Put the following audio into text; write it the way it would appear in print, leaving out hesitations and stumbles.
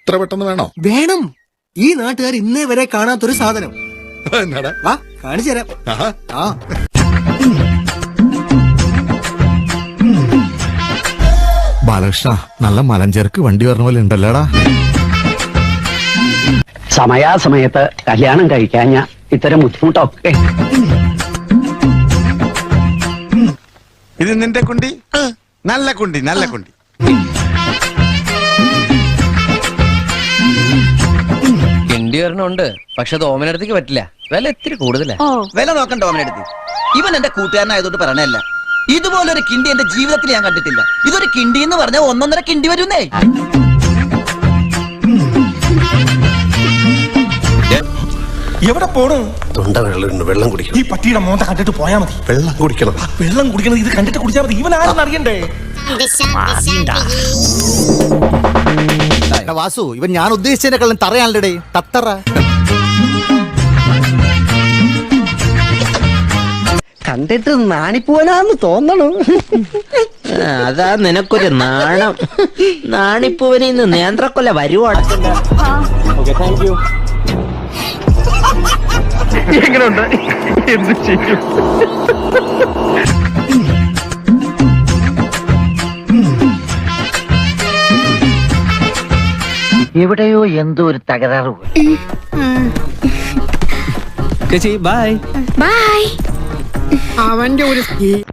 ഇത്ര പെട്ടെന്ന് വേണോ? വേണം. ഈ നാട്ടുകാർ ഇന്നേ വരെ കാണാത്തൊരു സാധനം. എന്നാടാ? വാ കാണിച്ചു തരാം. ആഹാ. ആ ബാലകൃഷ്ണ, നല്ല മലഞ്ചേർക്ക് വണ്ടി വരണ പോലെ ഉണ്ടല്ലേടാ. സമയാസമയത്ത് കല്യാണം കഴിക്കാഞ്ഞ ഇത്തരം ബുദ്ധിമുട്ടൊക്കെ. ഇത് നിന്റെ കുണ്ടി? നല്ല കുണ്ടി, നല്ല കുണ്ടി. കിണ്ടി ഒരെണ്ണമുണ്ട്, പക്ഷെ അത് ഓമനടുത്തേക്ക് പറ്റില്ല. വില ഇത്തിരി കൂടുതലാ. വില നോക്കണ്ട ഓമനടുത്ത്. ഇവൻ എന്റെ കൂട്ടുകാരനായതുകൊണ്ട് പറയണല്ല. ഇതുപോലൊരു കിണ്ടി എന്റെ ജീവിതത്തിൽ ഞാൻ കണ്ടിട്ടില്ല. ഇതൊരു കിണ്ടി എന്ന് പറഞ്ഞാൽ 1.5 കിണ്ടി വരുന്നേ. എവിടെ പോണു? തൊണ്ട വെള്ളം, വെള്ളം കുടിക്കണം. ഈ പട്ടിയുടെ മോന്ത കണ്ടിട്ട് പോയാ മതി. വെള്ളം കുടിക്കണം. വെള്ളം കുടിക്കണത് ഇത് കണ്ടിട്ട് കുടിച്ചാൽ മതി. ഇവൻ ആരെന്ന് അറിയണ്ടേ? വാസു, ഇവൻ ഞാൻ ഉദ്ദേശിച്ചതിനെക്കാളും തറയാണല്ലേ തത്തറ. കണ്ടിട്ട് നാണിപ്പൂവനാന്ന് തോന്നണു. അതാ നിനക്കൊരു നാണം. നാണിപ്പൂവനിൽ നിന്ന് നേന്ത്രക്കൊല വരുവാണ്. എങ്ങനെയുണ്ട്? എന്ത് ചെയ്യും? എവിടെയോ എന്തോ ഒരു തകരാറ്. ചേച്ചി ബൈ. ബൈ. അവന്റെ ഒരു